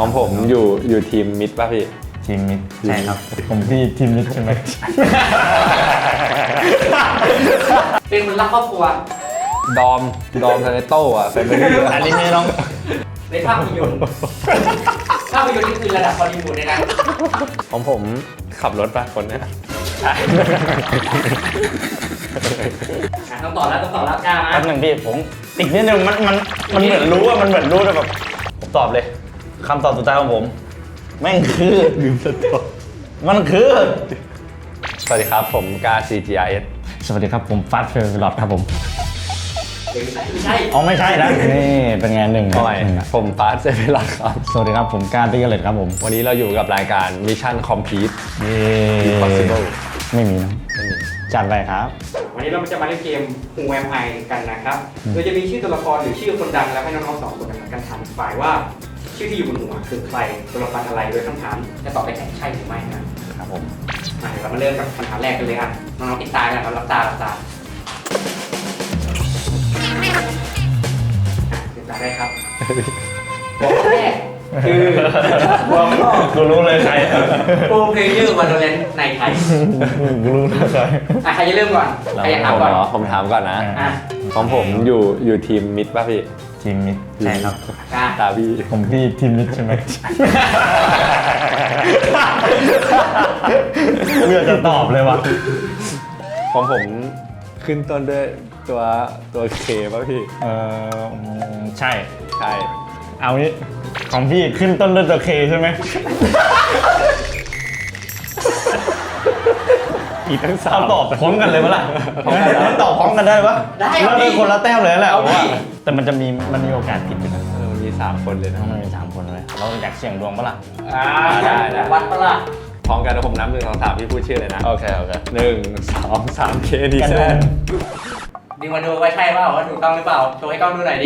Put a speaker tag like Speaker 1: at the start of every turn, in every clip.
Speaker 1: ของผมอยู่ทีมมิดป่ะพี่
Speaker 2: ทีมมิดใช่ครับผมพี่ทีมมิดใช่ไหม
Speaker 3: เป็นคนรักครอบครัว
Speaker 1: ดอมทาเลโต้อะแฟนเป็น
Speaker 2: อันนี้ไม่ต้อง
Speaker 3: ในภาพยนตร์ภาพยนตร์นี่คือระดับฮอลลีวูดเลยนะ
Speaker 1: ของผมขับรถป่ะคนเนี้ย
Speaker 3: ต้องต่อแล้วกล้า
Speaker 2: แป๊บ
Speaker 3: มา
Speaker 2: หนึ่งพี่ผมติดนิดนึงมันเหมือนรู้อะมันเหมือนรู้แต่แบบผมตอบเลยคำตอบสุดท้ายของผมแม่งคือลืมสตอมันคือ
Speaker 1: สวัสดีครับผมกา CGRS
Speaker 2: สวัสดีครับผมฟาสเฟอร์ลอดครับผม
Speaker 3: ไม่ใช่
Speaker 2: อ๋อไม่ใช่นะนี่เป็นไงหนึ่ง
Speaker 1: ทำไม
Speaker 2: หนึ่งอะ
Speaker 1: ผมฟาสเซเวลาครับ
Speaker 2: สวัสดีครับผมการติกเลตครับผม
Speaker 1: วันนี้เราอยู่กับรายการ Mission Complete
Speaker 2: เย้
Speaker 1: Impossible
Speaker 2: ไม่มีนะ
Speaker 1: ไม่มี
Speaker 2: จัดไปครับ
Speaker 3: วันนี้เราจะมาเล่นเกม Who Am I กันนะครับโดยจะมีชื่อตัวละครหรือชื่อคนดังแล้วให้น้องๆสองคนกันถามฝ่ายว่าชื่อที่อยู่บนหัวคือใครตัวละครอะไรโดยคำถามจะตอบได้แค่ใช่หรือไม่นะครับ
Speaker 2: ผม
Speaker 3: มาเดี๋ยวเรามาเริ่มกับคำถามแรกกันเลยครับน้องๆปิดตากันครับรับตาปิดตาได้ครับหัวข้อแรกคือหัวข้อ
Speaker 2: กูรู้เลยใคร
Speaker 3: โปรเพลเยอร์วาโลแรนต์ในไทย
Speaker 2: กูรู้เลยใคร
Speaker 3: ใครจะเริ่มก่อนใครจะถามก่อน
Speaker 1: ผมถามก่อนนะ
Speaker 3: อ่ะ
Speaker 1: ของผมอยู่ทีมมิดป่ะพี่
Speaker 2: ทีมมิดใช่ครับ
Speaker 3: กล้า
Speaker 1: ตาพี่
Speaker 2: ผมพี่ทีมมิดใช่ไหมเพื่อจะตอบเลยวะ
Speaker 1: ของผมขึ้นต้นด้วยตัวเคป่ะพี่
Speaker 2: ใช่
Speaker 1: ใช่
Speaker 2: เอางี้ของพี่ขึ้นต้นด้วยตัวเคใช่ไหมอีกทั้งสามตอบพร้อมกันเลยปะล่ะแล้วตอบพร้อมกันได้ปะแล้วได้คนละแต้มเลยแหละว่าแต่มันมีโอกาสผิดอยู่นะ
Speaker 1: มันมี3คนเลยนะ
Speaker 2: มันมี3 คนเลยเราอยากเสี่ยงดวงปะล่ะ
Speaker 1: ได้
Speaker 3: วัดปะล่ะ
Speaker 1: พร้อมกันแล้วผมนับ1 2 3พี่พูดชื่อเลยนะ
Speaker 2: โอเค
Speaker 1: 1 2 3 เคดี
Speaker 2: กัน
Speaker 1: แซ
Speaker 2: ดู
Speaker 1: น
Speaker 3: ดึงมาดูว่าใช่เปล่าว่าถูกต้องหรือเปล่าโชว์ให้กล้องดูหน่อยดิ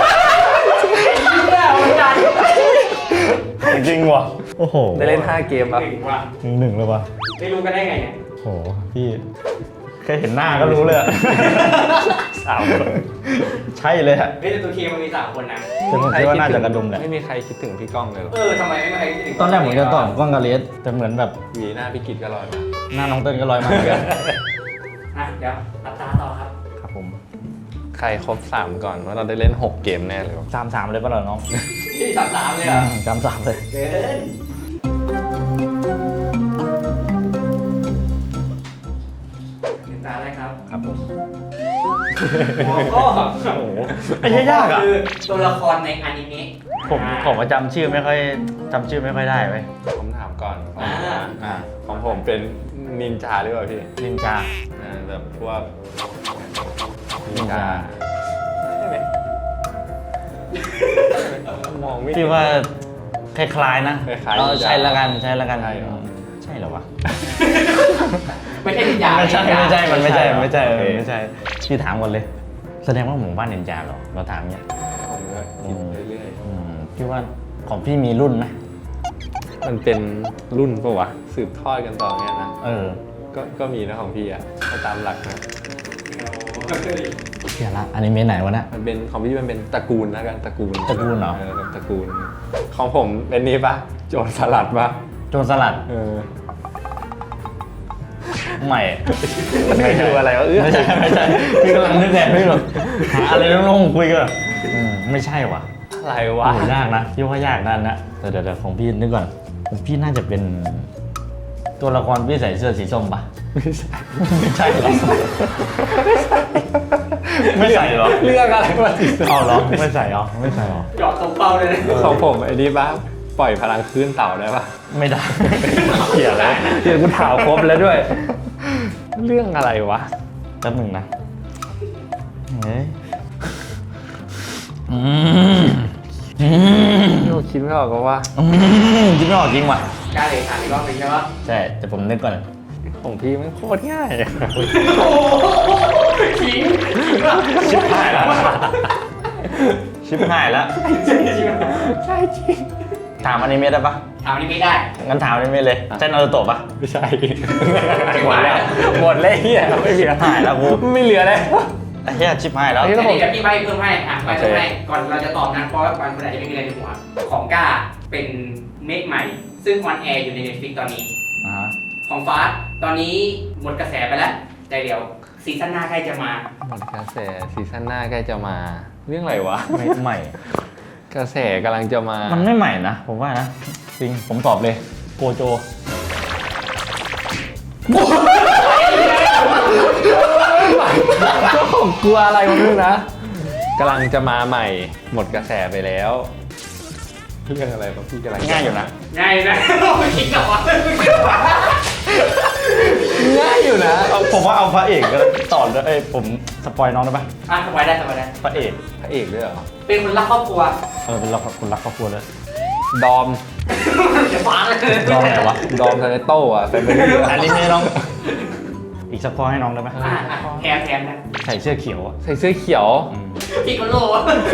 Speaker 3: เนี่ยวันจันทร์
Speaker 2: จริงว่ะโอ้โห
Speaker 1: ได้เล่น5 เกมป่ะ
Speaker 3: หนึ่งว่ะ
Speaker 2: หนึ่งเลยว่ะ
Speaker 3: ไม่รู้กันได้ไงเนี่ย
Speaker 2: โหพี่แค่เห็นหน้าก็รู้เลยอะ3 คนใช่เลยอะ
Speaker 3: เฮ้ยแต่ตัวเคมันมี3 คนนะ
Speaker 2: แต่ผมคิดว่าน่าจะกระดุมแหละ
Speaker 1: ไม่มีใครคิดถึงพี่ก้องเลยหรอ
Speaker 3: ทำไมไม่มาให้ถึง
Speaker 2: ตอนแรกผมจะตอบกล้องกาเลสแต่เหมือนแบบ
Speaker 1: หวีหน้าพี่กิจก็ลอยมา
Speaker 2: หน้าน้องเติ้ลก็ลอยมาเหมือนกัน
Speaker 3: เดี๋ยวตัดตาต่อครับ
Speaker 2: ครับผม
Speaker 1: ใครครบ3ก่อนว่าเราได้เล่น6 เกมแน่เลยวะ
Speaker 2: 3-3เลยป่ะเหรอน้อง
Speaker 3: ที่3-3เลยเหรอ
Speaker 2: 3-3เลย
Speaker 3: เกินตาได้ครับ
Speaker 2: ครับผม
Speaker 3: หัวข้อ
Speaker 2: โอ้โหไอ้เหี้ยยากอะ
Speaker 3: คือตัวละครในอนิเมะ
Speaker 2: ผมจำชื่อไม่ค่อยได้ไว้ย
Speaker 1: ผมถามก่อนของผมเป็นนินจาหรือเปล่าพี่
Speaker 2: นินจา
Speaker 1: แบบพวก
Speaker 2: นินจา
Speaker 1: ใช่ไหมมองไม่
Speaker 2: พี่ว่าคล้ายๆนะ
Speaker 1: คล้ายๆ
Speaker 2: เออใช่ละกัน
Speaker 1: ใช่เหรอ
Speaker 2: ใช่เหรอวะ
Speaker 3: ไม่ใช่นินจา
Speaker 2: ไม่ใช่มันไม่ใช่
Speaker 1: โอเค
Speaker 2: ไม่ใช่พี่ถามก่อนเลย แสดงว่าหมู่บ้านนินจาเหรอเราถามเนี้ย
Speaker 1: ผมก็คิดเรื่อย
Speaker 2: พี่ว่าของพี่มีรุ่นไหม
Speaker 1: ๆมันเป็นรุ่นปะวะสืบทอดกันต่อเนี่ยนะ ก็มีนะของพี่อะถ้าตามหลักนะ
Speaker 2: เดี๋ยวละอนิเมะไหนวะเนี่ย
Speaker 1: มันเป็นของพี่มันเป็นตระกูลแล้วกันตระกูล
Speaker 2: ตระกูลเหรอ
Speaker 1: เป็นตระกูล ของผมเป็นนี่ปะโจรสลัดปะ
Speaker 2: โจรสลัด ใหม่
Speaker 1: มันไม่ดูอะไรวะ
Speaker 2: ไม่ใช่พี่กำลังนึกไงพี่แบบหาอะไรโล่งๆคุยกันไม่ใช่ว่ะ
Speaker 1: อะไร
Speaker 2: โอ้
Speaker 1: วะ
Speaker 2: โหยากนะพี่ว่ายากนั่นนะแต่เดี๋ยวของพี่นึกก่อนของพี่น่าจะเป็นตัวละครพี่ใส่เสื้อสีส้มปะไม่ใช่หรอไม่ใส่หรอ
Speaker 1: เรื่องอะไรวะ
Speaker 2: เอาเหรอไม่ใส่หรอไม่ใส่หรอ
Speaker 3: เจาะตรงเป้าเลยนะ
Speaker 1: ของผมไอ้นี่ปะปล่อยพลังคลื่นเต่าได้ปะ
Speaker 2: ไม่ได้
Speaker 1: เขียอะไรเขียกูถามครบแล้วด้วย เรื่องอะไรวะ
Speaker 2: แป๊บหนึ่งนะเฮ้ย
Speaker 1: โยคิดไม่ออกก็ว่า
Speaker 2: คิดไม่ออกจริงว่ะ
Speaker 3: กล้าเลยถามอีกรอบหนึ่งใช่ปะ
Speaker 2: ใช่แต่ผมนึกก่อน
Speaker 1: ของพี่มันโคตรง่าย
Speaker 3: โอ้ทิ้ง
Speaker 2: ชิบหายแล้วชิบหายแล้ว
Speaker 1: ใช่จริง
Speaker 2: ถามอนิเมะได้ปะ
Speaker 3: ถามนี่ไม่ได้
Speaker 2: งั้นถามอนิเมะเลยใช่นารูโตะปะ
Speaker 1: ไม่ใช่หมดแล้วหมดเลยเฮียไม่เหลือ
Speaker 2: หายแล้วกู
Speaker 1: ไม่เหลือเลย
Speaker 2: ไอ้เหี้ยชิบหายแล้ว
Speaker 1: ไอ้
Speaker 3: เดี๋
Speaker 1: เหี้
Speaker 3: ยวพี่ใบเพิ่มให้ใบเพิ่มให้ก่อนเราจะตอบนะเพราะว่าบางคนอาจจะไม่มีอะไรในหัวของกล้าเป็นเมคใหม่ ซึ่งออนแอร์อยู่ใน Netflix ตอนนี้ ของฟาสตอนนี้หมดกระแสไปแล้วแต่เดี๋ยวซีซั่นหน้าใกล้จะมา
Speaker 1: หมดกระแสซีซั่นหน้าใกล้จะมาเรื่องอะไรวะ
Speaker 2: ไม่ใหม่
Speaker 1: กระแสกำลังจะมา
Speaker 2: มันไม่ใหม่นะผมว่านะจริงผมตอบเลยโกโจ
Speaker 1: ก็ผมกลัวอะไรมาด้วยนะกำลังจะมาใหม่ หมดกระแสไปแล้วเรื่องอะไรวะพี่กำลัง
Speaker 2: ง่ายอยู่นะ
Speaker 3: ง่ายนะไม่คิดกับว่า
Speaker 1: ง่ายอยู่นะ
Speaker 2: ผมว่าเอาพระเอกก็ต่อเลยผมสปอยน้องได้ปะ
Speaker 3: สบายได้สบายได้
Speaker 2: พระเอก
Speaker 1: พระเอกด้วยเหรอ
Speaker 3: เป็นคนรักครอบครัว
Speaker 2: เป็นรักคนรักครอบครัวเลย
Speaker 1: ดอม
Speaker 3: จะฟ้าเลย
Speaker 2: น้องไหนวะ
Speaker 1: ดอมทาเนโต้อะแฟนไม่ได้
Speaker 2: อันนี้ไม่น้อง อีกสักข้อให้น้องได้ไหม
Speaker 3: แถมนะ
Speaker 2: ใส่เสื้อเขียวอะ
Speaker 1: ใส่เสื้อเขียว
Speaker 3: พี่คนโล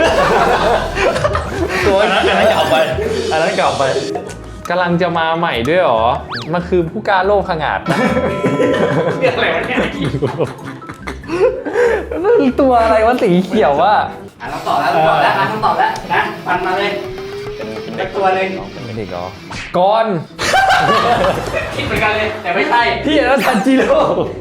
Speaker 1: ตัว
Speaker 2: อันนั้นเก่าไปอันนั้นเก่าไป
Speaker 1: กำลังจะมาใหม่ด้วยเหรอมันคือผู้กล้าโลกขงาดนะ
Speaker 3: เรื่องอะไรวะเนี่ย
Speaker 1: ตัวอะไรวะสีเขียววะ
Speaker 3: ต้องตอบแล้วต้องตอบแล้วต้องตอบแล้วนะฟันมาเลย
Speaker 2: เป็น
Speaker 3: เป็
Speaker 2: เด็
Speaker 3: น
Speaker 2: ก
Speaker 3: ตัวเลย
Speaker 1: เป็นเด็กเหรอก้อน
Speaker 3: คิดเหมือนกันเลยแต่ไม่ใช่
Speaker 1: พี่แล้วทันจิโร่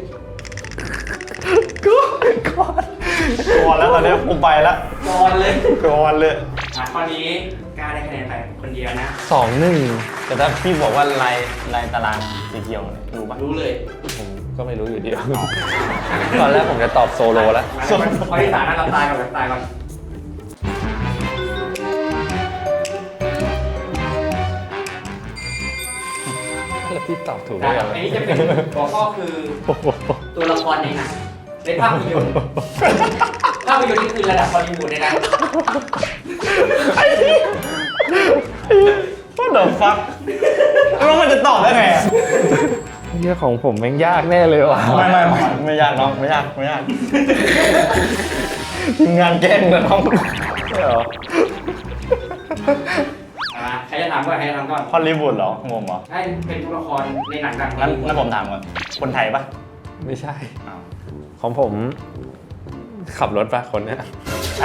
Speaker 1: ก้อน
Speaker 2: ก่อนแล้วตอนนี้ผมไปแล้ว
Speaker 3: บอลเลย
Speaker 2: ก่อนเลย
Speaker 3: ข้อนี้กล้าได้คะแนนไปคนเดียวนะ
Speaker 1: 2-1
Speaker 2: แต่ถ้าพี่บอกว่าลายตารางสีเขียวเนี่ยรู้ปะ
Speaker 3: รู้เลย
Speaker 1: ผมก็ไม่รู้อยู่ดีตอนแรกผมจะตอบโซโลแล้ว
Speaker 3: ข้อที่3นะเราตายก่อนเราตายก่อน
Speaker 1: แล้วพี่ตอบถูก
Speaker 3: อั
Speaker 1: ได้ยังไง
Speaker 3: นนี้จะเป็นหัวข้อคือตัวละครในหนังในภาพยนตร์ภาพยนตร์นี่คือระดับฮอลลีวูดเลยนะ
Speaker 2: What the fuck แล้วมันจะตอบได้ไงอะ
Speaker 1: เรื่องของผมแม่งยากแน่เลยว่ะ
Speaker 2: ไม่ยากน้องไม่ยากทีมงานแกล้งนะน้อง
Speaker 1: ใช่เหรอ
Speaker 3: ใครจะถามก่อนใครจะถามก่อน
Speaker 2: ฮอลลีวูดเหรองงเหรอ
Speaker 3: ให้เป็นตัวละครในหนังดัง
Speaker 2: งั้นผมถามก่อนคนไทยปะ
Speaker 1: ไม่ใช่
Speaker 2: อ้าว
Speaker 1: ของผมขับรถปะคนเนี้ย
Speaker 2: ใช่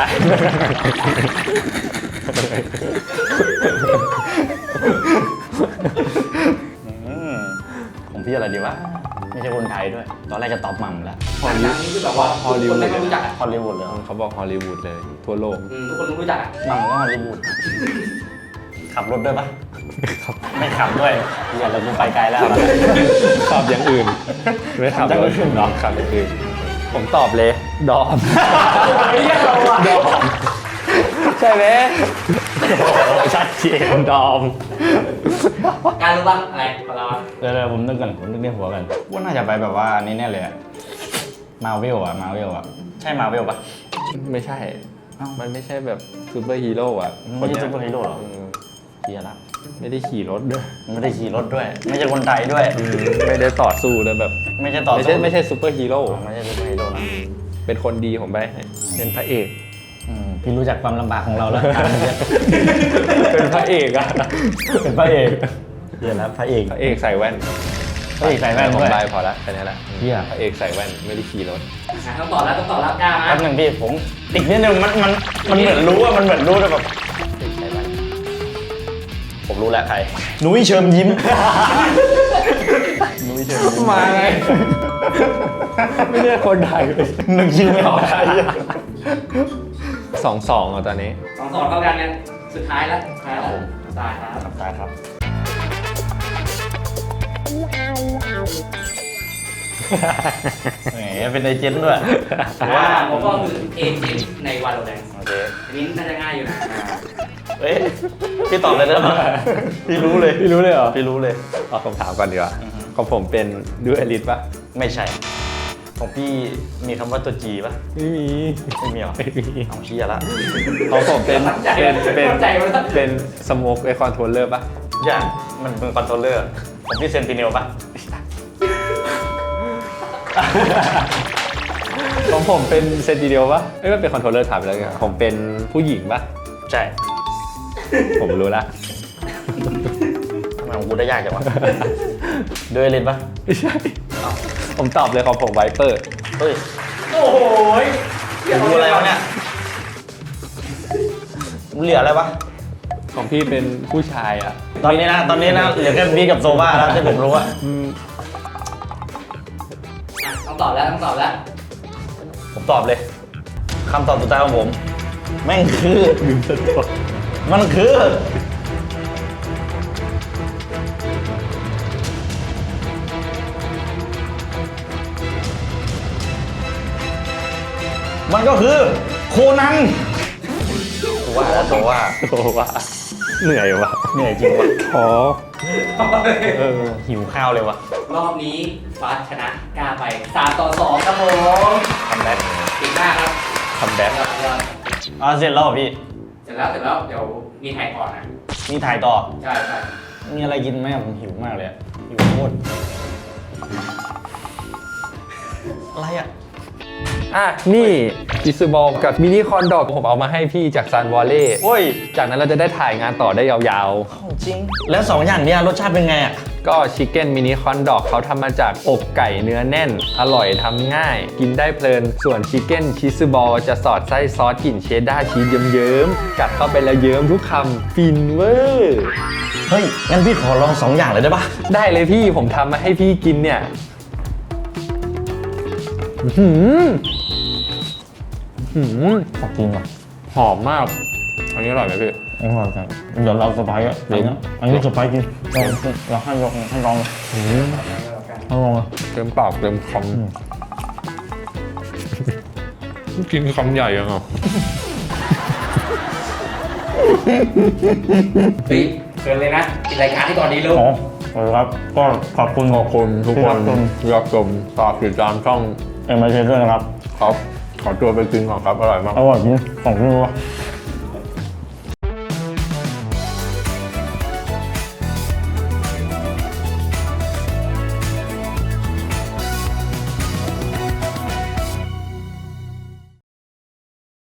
Speaker 2: ของพี่อะไรดีวะไม่ใช่คนไทยด้วย ตอนแรกจะตอบมังแล้ว
Speaker 3: หนังดังนี่คือแบบว่าคนไม่รู้จักอ่ะ
Speaker 2: ฮอลลีวูดเลยเหรอ
Speaker 1: เขาบอกฮอลลีวูดเลย ทั่วโลก
Speaker 3: ทุกคนรู้จักอ่ะ
Speaker 2: มังก็ฮอลลีวูดขับรถด้วยปะไม่ขับด้วยอย่าเราไปไกลแล้ว
Speaker 1: ขับอย่างอื่น ไม่ขับ
Speaker 2: ขับอย่างอื่นเหรอ
Speaker 1: ขับอย่างอื่น ผมตอบเลย ดอม
Speaker 3: ไม่ใช่เราอ่ะ
Speaker 1: ดอม ใช่ไหม
Speaker 2: ชัดเจน
Speaker 1: ดอม
Speaker 3: การรู้บ้างอะไรของเรา
Speaker 2: เดี๋ยวผมนึกกันผมนึกในหัวกันว่าน่าจะไปแบบว่านี่แน่เลยอะมาเวลอะใช่มาเวลปะ
Speaker 1: ไม่ใช่ มันไม่ใช่แบบซูเปอร์ฮีโร่อะ
Speaker 2: ไม่ใช่ซูเปอร์ฮีโร่หรอ
Speaker 1: เออ
Speaker 2: เฮียละ
Speaker 1: ไม่ได้ขี่รถด้วย
Speaker 2: ไม่ได้ขี่รถด้วย ไม่ใช่คนไทยด้วย
Speaker 1: ไม่ได้ต่อสู้เลยแบบ
Speaker 2: ไม่ใช่ต่อ
Speaker 1: ไม่ใช่ซูเปอร์ฮีโร่
Speaker 2: ไม่ใช่ซูเปอร์ฮีโร่นะ
Speaker 1: เป็นคนดีผมไปเป็นพระเอก
Speaker 2: พี่รู้จักความลำบากของเราแล้ว
Speaker 1: เป็นพระเอกอะ
Speaker 2: เป็นพระเอกเฮียแล้วพระเอก
Speaker 1: พระเอกใส่แว่น
Speaker 2: พระเอกใส่แว่น
Speaker 1: ผม
Speaker 2: ด้วย
Speaker 1: ได้พอละแค่นี้แหละ
Speaker 2: เหี้ย
Speaker 1: พระเอกใส่แว่นไม่ได้ขี่รถ
Speaker 3: ต้องตอบแล้วกล้า
Speaker 2: แป๊บ
Speaker 3: นะ
Speaker 2: นึงพี่ผมอีกนิดนึงมันเหมือนรู้อะมันเหมือนรู้แต่แบบใส่แว่นผมรู้แล้วใครนุ้ยเชิญยิ้มนุ้ยเชิญยิ้ม
Speaker 1: มาไง ไม่ใช่คนไทยเลย
Speaker 2: นึกชื่อไม่ออกใคร
Speaker 1: 2-2อ่ะตอนนี้
Speaker 3: 2-2เท่ากันเนี่ยสุดท้ายแล้วตายครับ
Speaker 2: ตายครับแหมเป็นเอเจนต์ด้วย
Speaker 3: ผมก็คือเอเจนต์ในวาโลแรนต์
Speaker 2: โอเค
Speaker 3: อันนี้น่าจะง่ายอยู่นะ
Speaker 2: เอ้ยพี่ตอบเลยได้ไหมพี่รู้เลย
Speaker 1: พี่รู้เลยเหรอ
Speaker 2: พี่รู้เลย
Speaker 1: เอาคำถามก่อนดีกว่า
Speaker 2: อือฮึ
Speaker 1: ของผมเป็นดูเอลิทปะ
Speaker 2: ไม่ใช่ ของพี่มีคำว่าตัวจีป่ะ
Speaker 1: ไม่มี
Speaker 2: ไม่มีหรอ
Speaker 1: ไม่มี
Speaker 2: เอาเชี่ยละ
Speaker 1: ของผมเป็น
Speaker 3: ใจมันต้อง
Speaker 1: เป็นสโมกไอคอนโทรลเลอร์ปะ
Speaker 2: อย่างมันเป็นคอนโทรลเลอร์ของพี่เซนติเนลป่ะ
Speaker 1: ของผมเป็นเซนติเดียวปะเอ้ยมันเป็นคอนโทรลเลอร์ถามไปแล้วไงผมเป็นผู้หญิงปะ
Speaker 2: ใช่
Speaker 1: ผมรู้ละ
Speaker 2: ทำไมของกูได้ยากจังวะด้วยเลนป่ะ
Speaker 1: ไม่ใช่ผมตอบเลยของผมไวเปอร์
Speaker 2: เฮ้ย
Speaker 3: โอ้โห
Speaker 2: รู้อะไรวะเนี่ยเหลืออะไรวะ
Speaker 1: ของพี่เป็นผู้ชายอ่ะ
Speaker 2: ตอนนี้นะเหลือแค่บีกับโซบ้าแล้วที่ผมรู้อะ
Speaker 3: ต้องตอบแล้วต้องตอบแล้ว
Speaker 2: ผมตอบเลยคำตอบสุดท้ายของผม แม่งคือมันคือ มันก็คือโคนันว่าแล้วตัวว่า
Speaker 1: โอ้ว่าเหนื่อยว่ะ
Speaker 2: เหนื่อยจริงวะ
Speaker 1: ท้อ
Speaker 2: หิวข้าวเลยวะ
Speaker 3: รอบนี้ฟาสชนะกล้าไป3-2ครับผม
Speaker 2: ทำแบ็ค
Speaker 3: เก่งมากครับ
Speaker 1: ทำแบ็ค
Speaker 3: ยอดยอด
Speaker 2: เสร็จแล้วเหรอพี่
Speaker 3: เสร็จแล้วเดี๋ยวมีถ่ายก่อนนะ
Speaker 2: มีถ่ายต่อ
Speaker 3: ใช่ใช่
Speaker 2: มีอะไรกินไหมผมหิวมากเลยอะหิวโคตรอะไรอ่ะ
Speaker 1: อ่ะนี่อิซูบอลกับมินิคอนดอกผมเอามาให้พี่จากซันวอลเล่
Speaker 2: โอ้ย
Speaker 1: จากนั้นเราจะได้ถ่ายงานต่อได้ยาว
Speaker 2: ของจริง แล้ว2อย่างเนี้ยรสชาติเป็นไงอ่ะ
Speaker 1: ๆ ก็ชิคเก้นมินิคอนดอกเขาทำมาจากอกไก่เนื้อแน่น อร่อยทำง่าย กินได้เพลิน ส่วนชิคเก้นชิซูบอลจะสอดไส้ซอสกลิ่นเชดดาร์ชีสเยิ้มๆ กัดเข้าไปแล้วเยิ้มทุกคำฟินเวอร์
Speaker 2: เฮ้ย งั้นพี่ขอลอง2อย่างเลยได้ปะ
Speaker 1: ได้เลยพี่ผมทำมาให้พี่กินเนี่ยอื้อหืออื้อหือ
Speaker 2: ขอบคุณว่ะ
Speaker 1: หอมมาก อันนี้อร่อยไหมพี่
Speaker 2: อร่อยจังเดี๋ยวเราสไปซ์อ่ะอันนี้สไปซ์กินเราให้ลองให้ลองเลยให้ลองเลย
Speaker 1: เต็มปากเต็มคำกินคำใหญ่ยังอ่ะ
Speaker 3: เฮ้ยเกินเลยนะปิดรายการให้ก่อนดีลูก
Speaker 2: อ๋อครับ ก็ขอบคุณ
Speaker 1: ขอบคุณทุกคนที่รับชมฝากติดตามช่อง
Speaker 2: เอ็มไอเชด้วยนะครับ
Speaker 1: ครับ ขอตัวไปกินก่อนครับ อร่อยมาก
Speaker 2: อร่อยจริงของพี่รู้